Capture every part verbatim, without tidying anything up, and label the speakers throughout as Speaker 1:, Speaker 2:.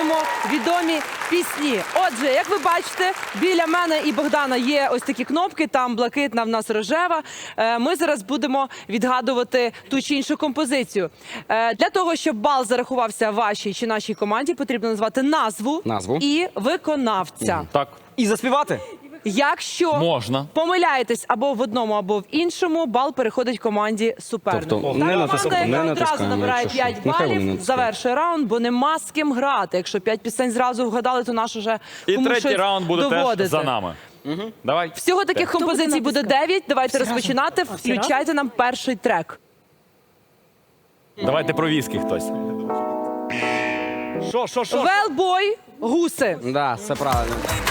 Speaker 1: слухаємо відомі пісні. Отже, як ви бачите, біля мене і Богдана є ось такі кнопки, там блакитна, в нас рожева. Е, Ми зараз будемо відгадувати ту чи іншу композицію. Е, Для того, щоб бал зарахувався вашій чи нашій команді, потрібно назвати назву,
Speaker 2: Назву.
Speaker 1: і виконавця.
Speaker 3: Так,
Speaker 2: І заспівати?
Speaker 1: Якщо
Speaker 3: можна.
Speaker 1: помиляєтесь або в одному, або в іншому, бал переходить команді суперника.
Speaker 2: Тобто
Speaker 1: Та
Speaker 2: не
Speaker 1: команда,
Speaker 2: натискаємо,
Speaker 1: яка
Speaker 2: не
Speaker 1: одразу
Speaker 2: натискаємо,
Speaker 1: набирає
Speaker 2: якщо що.
Speaker 1: п'ять
Speaker 2: Нехай вони
Speaker 1: балів,
Speaker 2: натискають.
Speaker 1: завершує раунд, бо нема з ким грати. Якщо п'ять пісень зразу вгадали, то наш уже
Speaker 3: І
Speaker 1: комусь
Speaker 3: третій
Speaker 1: щось
Speaker 3: раунд буде
Speaker 1: доводити.
Speaker 3: теж за нами. Угу. Давай.
Speaker 1: Всього таких композицій буде дев'ять. Давайте розпочинати. Включайте нам перший трек.
Speaker 3: Давайте про віскі хтось.
Speaker 4: Що, що, що?
Speaker 1: Велбой, гуси.
Speaker 2: Да, все правильно.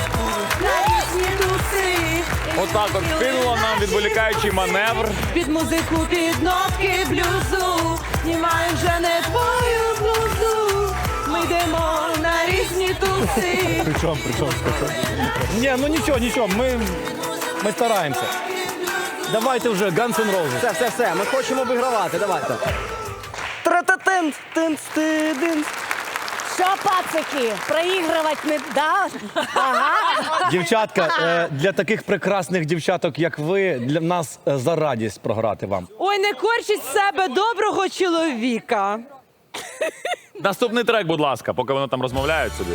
Speaker 3: Отак от кинула нам відволікаючий маневр.
Speaker 1: Під музику, під нотки блюзу. Знімаю вже не твою блузу. Ми йдемо на різні туси.
Speaker 4: Причому, причому, причому. Ні, ну нічого, нічого, ми, ми стараємося. Давайте вже Guns N' Roses.
Speaker 2: Все, все, все, ми хочемо вигравати, давайте. Тра-та-тин, тин, стидин.
Speaker 5: Що, пацики, проігрувати не да? Ага.
Speaker 4: Дівчатка, е, для таких прекрасних дівчаток, як ви, для нас е, за радість програти вам.
Speaker 1: Ой, не корчіть з себе доброго чоловіка.
Speaker 3: Наступний трек, будь ласка, поки вони там розмовляють собі.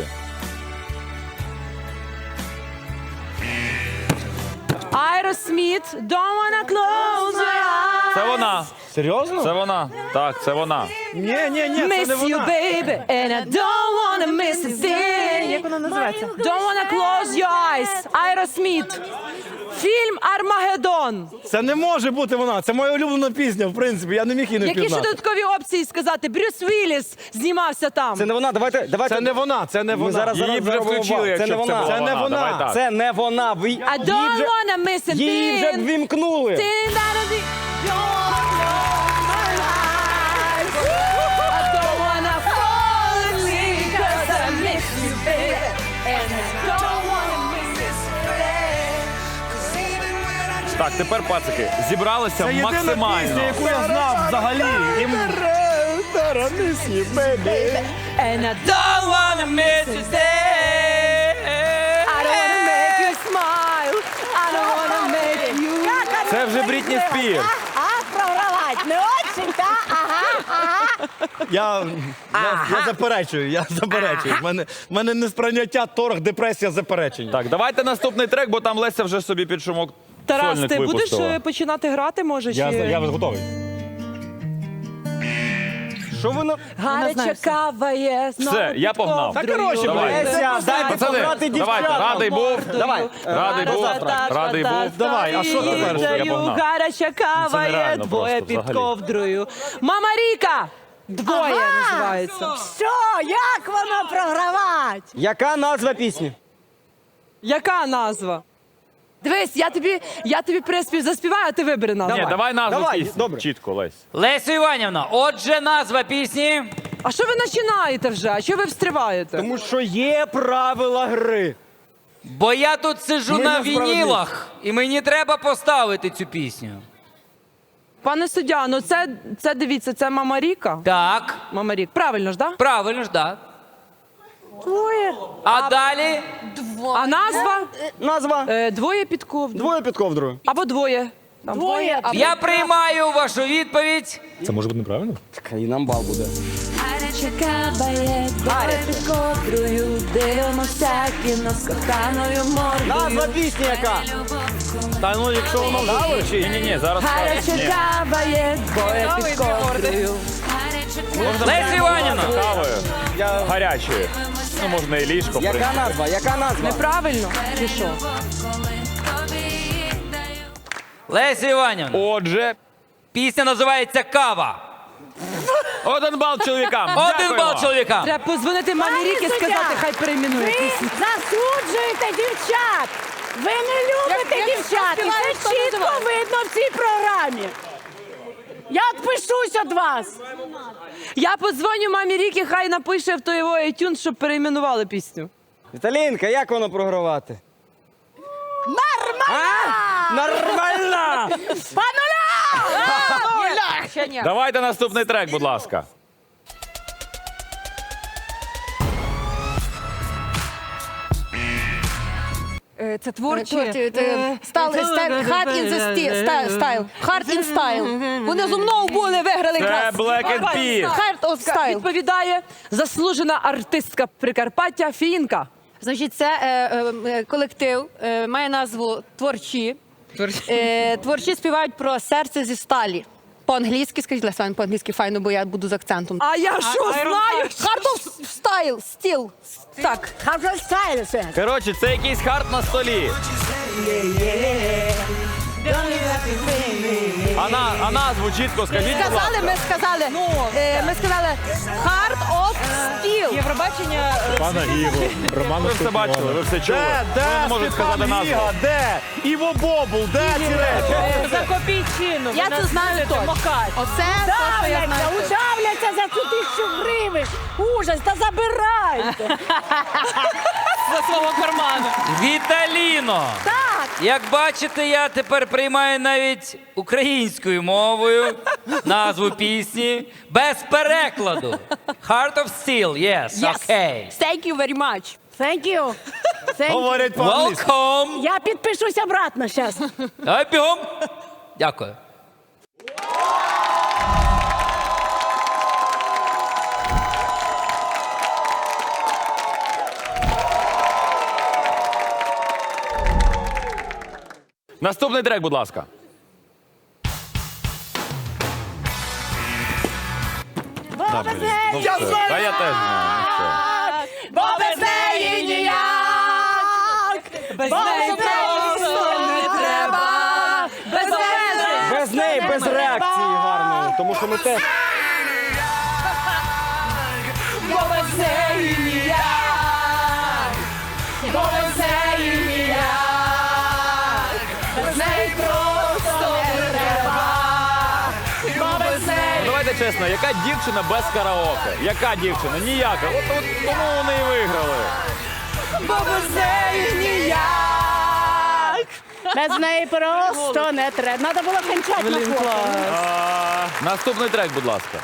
Speaker 1: Aerosmith, don't wanna close my eyes.
Speaker 3: Це вона.
Speaker 4: Серйозно?
Speaker 3: Це вона. Так, це вона.
Speaker 4: Ні, ні, ні, це не
Speaker 1: Miss you,
Speaker 4: вона.
Speaker 1: baby, and I don't wanna miss a thing. Як вона називається? Don't wanna close your eyes. Aerosmith. Фільм «Армагеддон».
Speaker 4: Це не може бути вона. Це моя улюблена пісня, в принципі. Я не міг її не
Speaker 1: Які ще
Speaker 4: впізнати.
Speaker 1: додаткові опції сказати? Брюс Вілліс знімався там.
Speaker 2: Це не вона, давайте, давайте.
Speaker 4: Це не вона, це не
Speaker 2: Ми
Speaker 4: вона.
Speaker 2: зараз,
Speaker 3: Її
Speaker 2: зараз
Speaker 3: вже
Speaker 2: зробимо
Speaker 3: включили,
Speaker 2: бал. Це
Speaker 3: якщо
Speaker 2: не
Speaker 3: б це
Speaker 2: вона.
Speaker 3: була
Speaker 4: Це не
Speaker 3: вона.
Speaker 4: вона.
Speaker 3: Давай так.
Speaker 2: Це не вона. Ви,
Speaker 1: I
Speaker 2: її
Speaker 1: don't
Speaker 2: вже,
Speaker 1: wanna miss a
Speaker 2: її вже
Speaker 1: thing.
Speaker 2: ввімкнули.
Speaker 1: Thing that I think don't wanna close my eyes. I don't wanna fall asleep 'cause I miss you, baby. And I don't wanna miss this thing.
Speaker 3: Так, тепер, пацики, зібралися
Speaker 4: Це єдина
Speaker 3: максимально.
Speaker 4: пісня, яку я знав взагалі. І ми-
Speaker 1: And I don't wanna miss a thing. I don't wanna make you smile. I don't wanna make you.
Speaker 3: Це вже Брітні Спірс.
Speaker 5: А, програвати не очень, та? Ага, ага.
Speaker 4: Я, я, я заперечую, я заперечую. В мене, в мене несприйняття, торг, депресія, заперечення.
Speaker 3: Так, давайте наступний трек, бо там Леся вже собі під шумок
Speaker 1: Тарас,
Speaker 3: сольник
Speaker 1: ти будеш
Speaker 3: випустила.
Speaker 1: е, починати грати, може?
Speaker 4: Я,
Speaker 1: чи...
Speaker 4: я готовий.
Speaker 2: Що ви на...
Speaker 1: Гаряча кава є. знову
Speaker 3: Все, я
Speaker 1: під
Speaker 3: погнав.
Speaker 1: ковдрою.
Speaker 4: Та, коротше,
Speaker 3: Давай.
Speaker 4: блядь.
Speaker 2: Леся, дай
Speaker 3: Пацани,
Speaker 2: пограти
Speaker 3: давайте,
Speaker 2: дівчатам.
Speaker 3: радий був.
Speaker 2: Давай.
Speaker 3: Радий був. Радий був.
Speaker 4: Давай, а що тепер?
Speaker 3: Я погнав.
Speaker 1: Гаряча кава є,
Speaker 3: нереально
Speaker 1: двоє
Speaker 3: просто,
Speaker 1: під
Speaker 3: взагалі.
Speaker 1: ковдрою. Мама Ріка! Двоє називається.
Speaker 5: Що, як воно програвати?
Speaker 2: Яка назва пісні?
Speaker 1: Яка назва? Дивись, я тобі, я тобі приспів заспіваю, а ти вибери назву.
Speaker 3: Ні, давай назву
Speaker 2: Давай,
Speaker 3: пісні.
Speaker 2: добре.
Speaker 3: Чітко, Лесь.
Speaker 6: Лесю Іванівна, отже, назва пісні.
Speaker 1: А що ви починаєте вже? А що ви встріваєте?
Speaker 2: Тому що є правила гри.
Speaker 6: Бо я тут сиджу
Speaker 2: Ми
Speaker 6: на
Speaker 2: за справедливість.
Speaker 6: вінілах, і мені треба поставити цю пісню.
Speaker 1: Пане суддя, ну це, це дивіться, це Мама Ріка.
Speaker 6: Так,
Speaker 1: Мама Рік. Правильно ж, так?
Speaker 6: правильно ж, так.
Speaker 5: Двоє.
Speaker 6: А далі
Speaker 1: А назва?
Speaker 2: Назва?
Speaker 1: Е, двоє під ковдрою.
Speaker 2: Двоє під ковдрою.
Speaker 1: Або двоє. Там
Speaker 5: Двоє.
Speaker 1: або-
Speaker 6: я приймаю вашу відповідь.
Speaker 4: Це може бути неправильно?
Speaker 2: Так, і нам бал буде.
Speaker 1: Гаряча кава є, двоє під ковдрою, дивимося кіно з коханою мордою.
Speaker 2: Назва пісні яка?
Speaker 4: Та ну, якщо воно вже
Speaker 3: Ні, ні, ні, зараз.
Speaker 1: Гаряча
Speaker 3: Ні.
Speaker 1: кава є, двоє під ковдрою.
Speaker 6: Леся Іванівна,
Speaker 3: Кавою.
Speaker 2: Я...
Speaker 3: Гарячою. Ну, можна і ліжко. в
Speaker 2: Яка
Speaker 3: принципі.
Speaker 2: назва? Яка назва?
Speaker 1: Неправильно? Чи що?
Speaker 6: Леся Іванівна,
Speaker 3: Отже,
Speaker 6: пісня називається «Кава».
Speaker 3: один бал чоловікам.
Speaker 6: Один
Speaker 3: Дякуємо.
Speaker 6: бал чоловікам.
Speaker 1: Треба позвонити мамі
Speaker 5: Пане
Speaker 1: Ріки і
Speaker 5: суддя,
Speaker 1: сказати, хай перейменує
Speaker 5: Ви
Speaker 1: пісню.
Speaker 5: засуджуєте дівчат. Ви не любите дівчат. І це чітко видно в цій програмі. Я відпишусь від вас.
Speaker 1: Я подзвоню мамі Ріки, хай напише в той його iTunes, щоб перейменували пісню.
Speaker 2: Віталінка, як воно програвати?
Speaker 5: Нормально!
Speaker 2: Нормально!
Speaker 5: По нулям!
Speaker 1: Ще ні.
Speaker 3: Давайте наступний трек, будь ласка.
Speaker 7: Е, Це творчі.
Speaker 8: Творчі,
Speaker 7: Е,
Speaker 8: е, стал-
Speaker 7: це-
Speaker 8: стайл- hard in the sti- style- style. Hard in style. Вони зо мною були, виграли
Speaker 3: Це
Speaker 8: якраз.
Speaker 3: Black and Peas.
Speaker 8: Hard of style.
Speaker 1: Відповідає заслужена артистка Прикарпаття Фінка.
Speaker 8: Значить, це е, е, е, колектив, е, має назву «Творчі». Е, творчі співають про серце зі сталі. По-англійськи, скажіть, Леся, по-англійськи файно, бо я буду з акцентом.
Speaker 1: А я що знаю?
Speaker 8: Hard of style, still. Так.
Speaker 5: Hard of style, це.
Speaker 3: Коротше, це якийсь хард на столі. А, на, а назву чітко скажіть, будь
Speaker 8: Сказали,
Speaker 3: ласка.
Speaker 8: ми сказали, е, ми сказали Hard of steel.
Speaker 7: Євробачення.
Speaker 4: Пана Іво, Роман
Speaker 3: Ви все бачили, ви все чули.
Speaker 4: Де, де
Speaker 3: Ви не можете сказати
Speaker 4: Степан
Speaker 3: назву.
Speaker 4: Гіга, де? Іво Бобул, де ці речі?
Speaker 7: За копійчину.
Speaker 8: Я
Speaker 7: Ви
Speaker 8: це
Speaker 7: нас
Speaker 8: знаю
Speaker 7: будете
Speaker 8: точно.
Speaker 7: макати.
Speaker 8: Оце те, що я
Speaker 5: Давляться,
Speaker 8: знаю.
Speaker 5: удавляться за цю тисячу гривень. Ужас, та забирайте.
Speaker 7: За свого карману.
Speaker 6: Віталіно!
Speaker 5: Так.
Speaker 6: Як бачите, я тепер приймаю навіть українською мовою назву пісні без перекладу. Heart of Steel, yes, окей.
Speaker 8: Thank you very much.
Speaker 5: Thank you. Thank you.
Speaker 4: Говорять по-англійськи.
Speaker 6: Welcome!
Speaker 5: Я підпишусь обратно зараз.
Speaker 6: Давай бігом. Дякую.
Speaker 3: Наступний трек, будь ласка.
Speaker 5: Бо без неї,
Speaker 3: Я знаю! Та я теж знаю. ну що.
Speaker 5: бо без неї ніяк.
Speaker 1: Без
Speaker 5: Бо
Speaker 1: неї
Speaker 5: без неї
Speaker 1: просто не треба. Без неї.
Speaker 2: Без неї, без реакції гарної, тому що ми теж...
Speaker 1: Бо без неї ніяк. Бо без неї ніяк. Без неї просто не треба. Бо без неї.
Speaker 3: Ну, давайте чесно, яка дівчина без караоке? Яка дівчина? Ніяка. От, от тому вони і виграли.
Speaker 1: Бо без неї ніяк.
Speaker 5: Без неї просто не треба. Треба було кінчати на фото.
Speaker 3: А, наступний трек, будь ласка.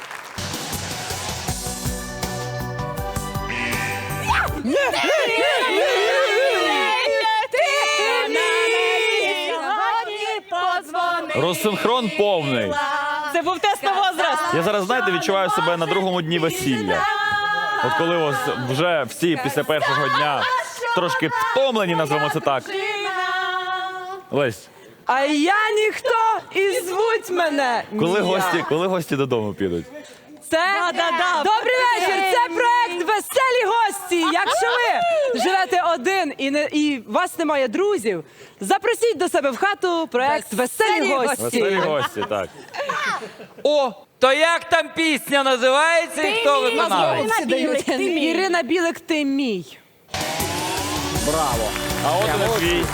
Speaker 3: Розсинхрон повний.
Speaker 7: Це був тест на возраст.
Speaker 3: Я зараз, знаєте, відчуваю себе на другому дні весілля. От коли ось вже всі після першого дня трошки втомлені, назвемо це так. Лесь,
Speaker 1: А я ніхто і звуть мене.
Speaker 3: коли
Speaker 1: Ніяк.
Speaker 3: гості, коли гості додому підуть?
Speaker 1: Це
Speaker 7: Да-да-да.
Speaker 1: добрий вечір. Це проект Веселі гості. Якщо ви живете один і не і у вас немає друзів, запросіть до себе в хату проект Веселі,
Speaker 7: Веселі
Speaker 1: гості.
Speaker 3: Веселі гості, так.
Speaker 6: О, то як там пісня називається і хто виконавець?
Speaker 5: Ірина Білик, ти мій.
Speaker 1: Ірина Білик, ти мій.
Speaker 2: Браво.
Speaker 3: А от і твій.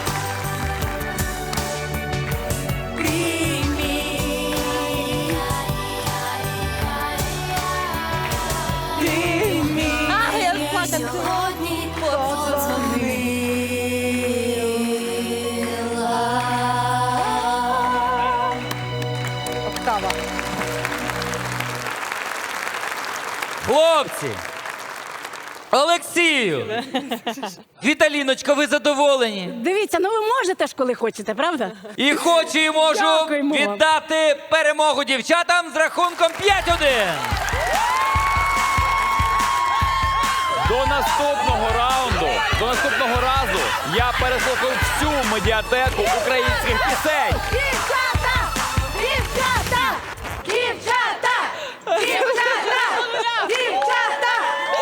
Speaker 8: Октава.
Speaker 6: Хлопці! Олексію! Віталіночка, ви задоволені?
Speaker 5: Дивіться, ну ви можете ж, коли хочете, правда?
Speaker 6: І хочу і можу
Speaker 5: Дякуємо вам.
Speaker 6: віддати перемогу дівчатам з рахунком п'ять один.
Speaker 3: До наступного раунду, до наступного разу я переслухаю всю медіатеку українських пісень.
Speaker 5: Дівчата! Дівчата! Дівчата! Дівчата! Дівчата!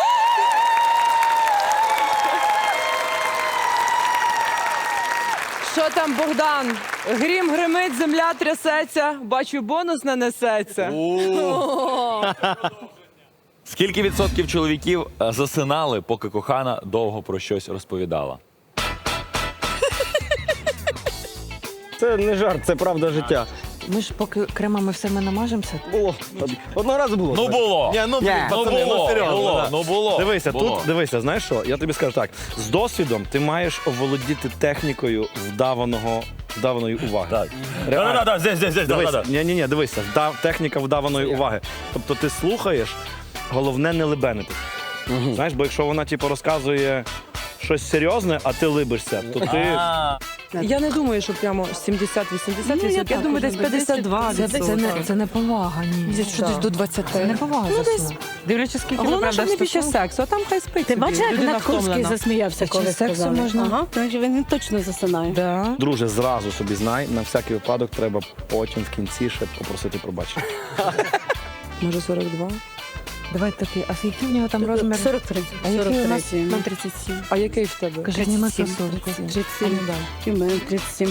Speaker 1: Що там, Богдан? Грім гримить, земля трясеться. Бачу, бонус не несеться.
Speaker 3: Скільки відсотків чоловіків е, засинали, поки кохана довго про щось розповідала?
Speaker 2: Це не жарт, це правда життя.
Speaker 7: Ми ж поки кремами все ми намажемося.
Speaker 2: Було. Одного разу було.
Speaker 3: Ну було.
Speaker 4: Ні, ну,
Speaker 2: Ні.
Speaker 4: пацани,
Speaker 3: Ну, було,
Speaker 4: ну серйозно.
Speaker 3: було,
Speaker 4: да.
Speaker 3: ну, було,
Speaker 4: Дивися,
Speaker 3: було.
Speaker 4: тут дивися, знаєш що? Я тобі скажу так: з досвідом ти маєш оволодіти технікою вдаваного, вдаваної уваги.
Speaker 3: Так.
Speaker 4: Реально.
Speaker 3: Да-да-да, здесь, здесь, здесь,
Speaker 4: Дивися,
Speaker 3: да-да-да.
Speaker 4: ні, ні, ні, дивися, вдав, техніка вдаваної уваги. Тобто ти слухаєш, головне не лебенити. Знаєш, бо якщо вона типу розказує щось серйозне, а ти либишся, то ти...
Speaker 1: Я не думаю, що прямо сімдесят-вісімдесят
Speaker 5: Ну, я
Speaker 1: відсотків. Я
Speaker 5: так
Speaker 1: думаю, десь
Speaker 5: уже,
Speaker 1: п'ятдесят два
Speaker 7: Це, це, не, це не повага, ні.
Speaker 8: Що десь до двадцяти.
Speaker 7: Це не повага.
Speaker 1: Ну, десь.
Speaker 7: заснути. Дивлячись, скільки ви,
Speaker 1: Головне,
Speaker 7: правда,
Speaker 1: щоб не під час
Speaker 7: стосунків.
Speaker 1: сексу, а там хай спить
Speaker 5: Ти
Speaker 1: собі.
Speaker 5: бачиш, як
Speaker 1: Людина
Speaker 5: Гнат Курський
Speaker 1: втомлена.
Speaker 5: засміявся,
Speaker 7: Під
Speaker 5: коли
Speaker 7: час сексу
Speaker 5: сказали?
Speaker 7: можна?
Speaker 5: Ага, тому що він точно засинає.
Speaker 1: Да.
Speaker 4: Друже, зразу собі знай, на всякий випадок треба потім в кінці ще попросити пробачення.
Speaker 1: Може сорок два?
Speaker 7: Давай такий, а який в нього там розмір?
Speaker 5: сорок три.
Speaker 7: А який у нас?
Speaker 5: сорок три. Нам тридцять сім.
Speaker 1: А який в тебе?
Speaker 7: Кажи, зніми кросовки.
Speaker 5: тридцять
Speaker 7: А ну
Speaker 5: сім.
Speaker 7: дай.
Speaker 5: І в мене тридцять сім.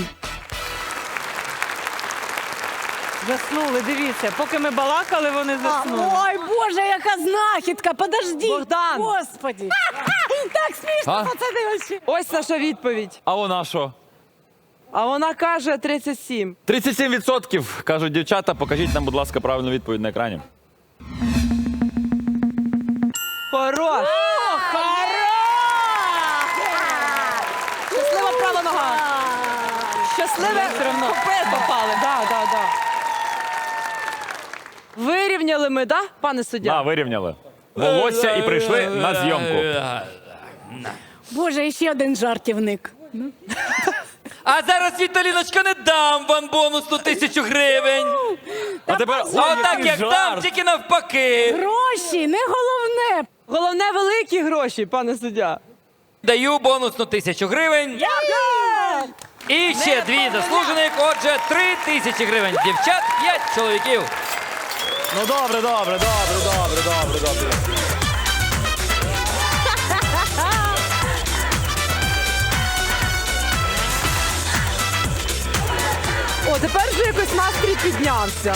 Speaker 7: Заснули, дивіться. Поки ми балакали, вони заснули.
Speaker 5: Ой, Боже, яка знахідка! Подожди!
Speaker 1: Богдан!
Speaker 5: Господи! Так смішно,
Speaker 3: А?
Speaker 5: пацани, вообще.
Speaker 1: Ось наша відповідь.
Speaker 3: А вона що?
Speaker 1: А вона каже тридцять сім.
Speaker 3: тридцять сім відсотків, кажуть дівчата. Покажіть нам, будь ласка, правильну відповідь на екрані.
Speaker 1: Хорош! Щаслива права нога. Щасливе купе попали. Да, да, да. Вирівняли ми, да, пане суддя?
Speaker 3: На, вирівняли. Волосся і прийшли на зйомку.
Speaker 5: Боже, і ще один жартівник.
Speaker 6: А зараз, Віталіночка, не дам вам бонусну тисячу гривень.
Speaker 3: А тепер
Speaker 6: А отак, як дам, тільки навпаки.
Speaker 5: Гроші, не головне.
Speaker 1: Головне великі гроші, пане суддя.
Speaker 6: Даю бонусну тисячу гривень. І ще дві заслужених, отже, три тисячі гривень. Дівчат, п'ять чоловіків.
Speaker 4: Ну добре, добре, добре, добре, добре, добре.
Speaker 1: О, тепер вже якось настрій піднявся.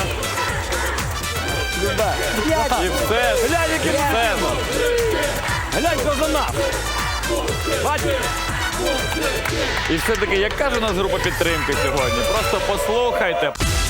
Speaker 3: І все.
Speaker 4: Глянь, який
Speaker 3: Все.
Speaker 4: Глянь, хто за нас. Бачиш?
Speaker 3: І все-таки, як каже у нас група підтримки сьогодні, просто послухайте.